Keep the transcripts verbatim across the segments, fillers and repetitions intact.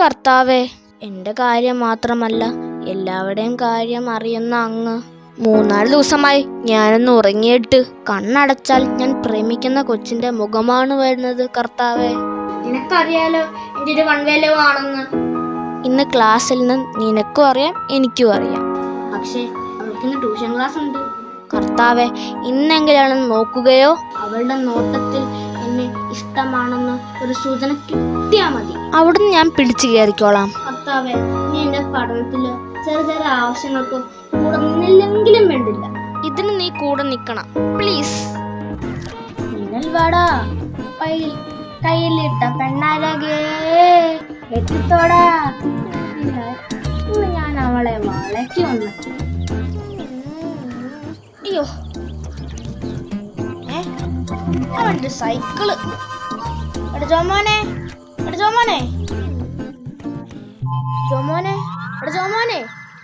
കർത്താവേ, എൻ്റെ കാര്യം മാത്രമല്ല എല്ലാവരുടെയും കാര്യം അറിയുന്ന അങ്ങ്. മൂന്നാല് ദിവസമായി ഞാനൊന്ന് ഉറങ്ങിയിട്ട് കണ്ണടച്ചാൽ ഞാൻ പ്രേമിക്കുന്ന കൊച്ചിന്റെ മുഖമാണ് വരുന്നത് കർത്താവേ. നിനക്കറിയാലോ എൻ്റെ ഒരു കൺവേലവാണെന്ന്. ഇന്ന് ക്ലാസ്സിൽ നിന്ന് നിനക്കും അറിയാം എനിക്കും അറിയാം. പക്ഷേ അവൾക്കിന്ന് ട്യൂഷൻ ക്ലാസ് ഉണ്ട്. കർത്താവെ, ഇന്നെങ്കിലും നോക്കുകയോ അവളുടെ നോട്ടത്തിൽ എന്നെ ഇഷ്ടമാണെന്ന് ഒരു സൂചന കിട്ടിയാൽ മതി. അവിടുന്ന് ഞാൻ പിടിച്ചു കയറിക്കോളാം. കർത്താവെ, നീ എന്റെ പഠനത്തിലോ ചെറിയ ചെറിയ ആവശ്യങ്ങൾക്കോ കൂടെ നിന്നില്ലെങ്കിലും വേണ്ടില്ല. ഇതിന് നീ കൂടെ നിക്കണം പ്ലീസ്. നിങ്ങൾ വാടാ, കയ്യിലിട്ട പെണ്ണാരകേ എത്തിത്തോടാ. ഇന്ന് ഞാൻ അവളെ വളയ്ക്ക് വന്നു. അയ്യോ, ഏ അവൻ്റെ സൈക്കിള്. എടാ ജോമോനെ, എടാ ജോമോനെ, ജോമോനെ, എടാ ജോമോനെ.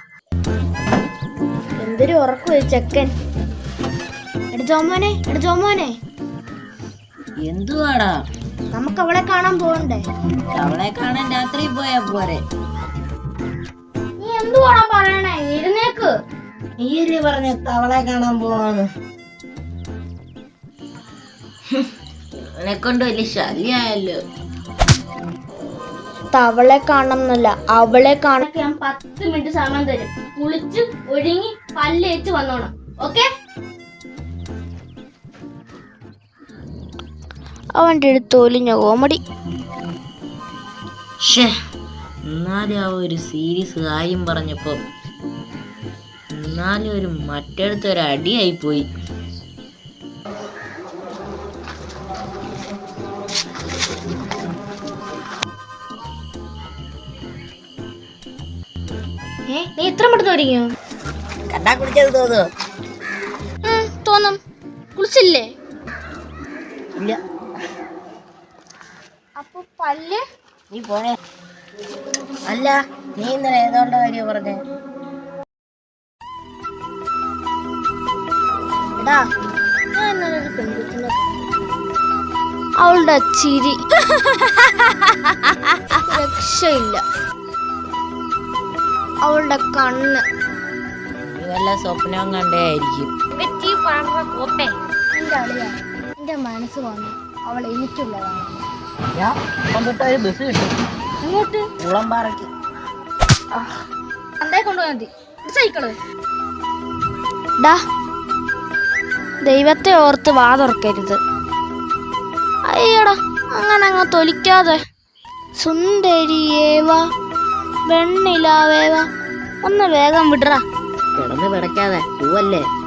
എന്തൊരു ഉറക്കു ചെക്കൻ. എടാ ജോമോനെ, എടാ ജോമോനെ. എന്തുവാടാ? നമുക്ക് അവളെ കാണാൻ പോകണ്ടേ? അവളെ കാണാൻ രാത്രി പോയാ പോരെ? നീ എന്തുവാടാ പറയണേ? ഇരുന്നേക്ക്. നീയല്ലേ പറഞ്ഞ അവളെ കാണാൻ പോവാന്ന്? അവനെ കൊണ്ട് വലിയ ശല്യായല്ലോ. തവളെ കാണണമെന്നല്ല, അവളെ കാണാൻ ഞാൻ പത്ത് മിനിറ്റ് സമയം തരും. കുളിച്ച് ഒരുങ്ങി പല്ലേച്ച് വന്നോണം. ഓക്കെ? അവൻ്റെ അടുത്ത് ഒലിഞ്ഞ കോമഡി. എന്നാലും ആ ഒരു സീരിയസ് കാര്യം പറഞ്ഞപ്പോ എന്നാലും ഒരു മറ്റടുത്ത് ഒരു അടിയായി പോയി. നീ ഇത്ര പെട്ടെന്ന് ഒരുങ്ങിയോ? കണ്ടാ കുളിച്ചത് തോന്നുന്നു. തോന്നും. കുളിച്ചില്ലേ? ഇല്ല. അപ്പൊ പല്ല്? നീ പോണേ. അല്ല, നീ ഇന്നലെ ഏതോണ്ട കാര്യം പറഞ്ഞേ? അവളുടെ ചിരി രക്ഷയില്ല. അവളുടെ കണ്ണ് വല്ല സ്വപ്നവും കണ്ടേ ആയിരിക്കും. എന്റെ അളിയാ, എന്റെ മനസ്സ് വന്നു അവൾ എനിക്കുള്ളതാണ്. ഒരു ബസ് കിട്ടും. അങ്ങോട്ട് കുളമ്പാറയ്ക്ക് അന്തേ കൊണ്ടുപോയാൽ മതി. സൈക്കിള്. ഡാ, ദൈവത്തെ ഓർത്ത് വാ തുറക്കരുത്. അയ്യടാ, അങ്ങനെ അങ്ങ് തൊലിക്കാതെ. സുന്ദരിയേവാ, വെണ്ണിലാവേവാ, ഒന്ന് വേഗം വിടറാ. കിടന്ന് പിടയ്ക്കാതെ പൂവല്ലേ.